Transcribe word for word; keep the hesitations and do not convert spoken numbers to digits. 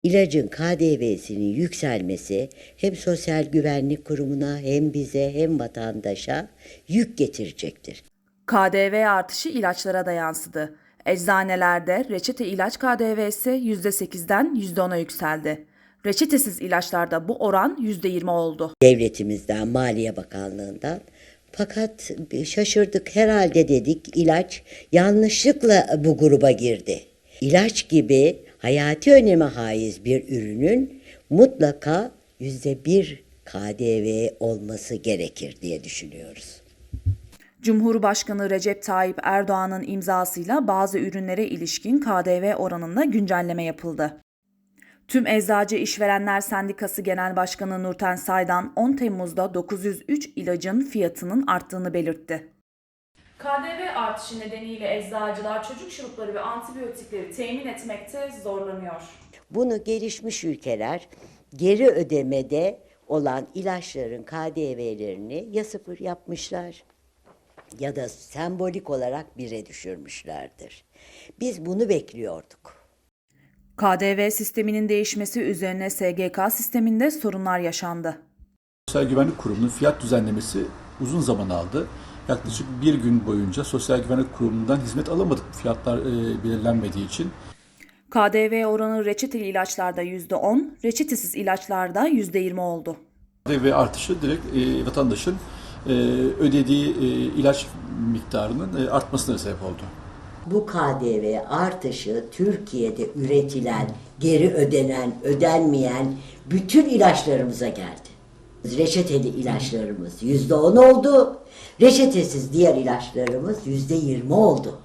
İlacın K D V'sinin yükselmesi hem Sosyal Güvenlik Kurumu'na hem bize hem vatandaşa yük getirecektir. K D V artışı ilaçlara da yansıdı. Eczanelerde reçete ilaç K D V'si yüzde sekizden yüzde ona yükseldi. Reçetesiz ilaçlarda bu oran yüzde yirmi oldu. Devletimizden, Maliye Bakanlığı'ndan. Fakat şaşırdık, herhalde dedik ilaç yanlışlıkla bu gruba girdi. İlaç gibi hayati öneme haiz bir ürünün mutlaka yüzde bir K D V olması gerekir diye düşünüyoruz. Cumhurbaşkanı Recep Tayyip Erdoğan'ın imzasıyla bazı ürünlere ilişkin K D V oranında güncelleme yapıldı. Tüm Eczacı İşverenler Sendikası Genel Başkanı Nurten Saydan on Temmuz'da dokuz yüz üç ilacın fiyatının arttığını belirtti. K D V artışı nedeniyle eczacılar çocuk şurupları ve antibiyotikleri temin etmekte zorlanıyor. Bunu gelişmiş ülkeler geri ödemede olan ilaçların K D V'lerini ya sıfır yapmışlar ya da sembolik olarak bire düşürmüşlerdir. Biz bunu bekliyorduk. K D V sisteminin değişmesi üzerine S G K sisteminde sorunlar yaşandı. Sosyal Güvenlik Kurumu'nun fiyat düzenlemesi uzun zaman aldı. Yaklaşık bir gün boyunca Sosyal Güvenlik Kurumu'ndan hizmet alamadık fiyatlar e, belirlenmediği için. K D V oranı reçeteli ilaçlarda yüzde on, reçetesiz ilaçlarda yüzde yirmi oldu. K D V artışı direkt e, vatandaşın e, ödediği e, ilaç miktarının e, artmasına sebep oldu. Bu K D V artışı Türkiye'de üretilen, geri ödenen, ödenmeyen bütün ilaçlarımıza geldi. Reçeteli ilaçlarımız yüzde on oldu, reçetesiz diğer ilaçlarımız yüzde yirmi oldu.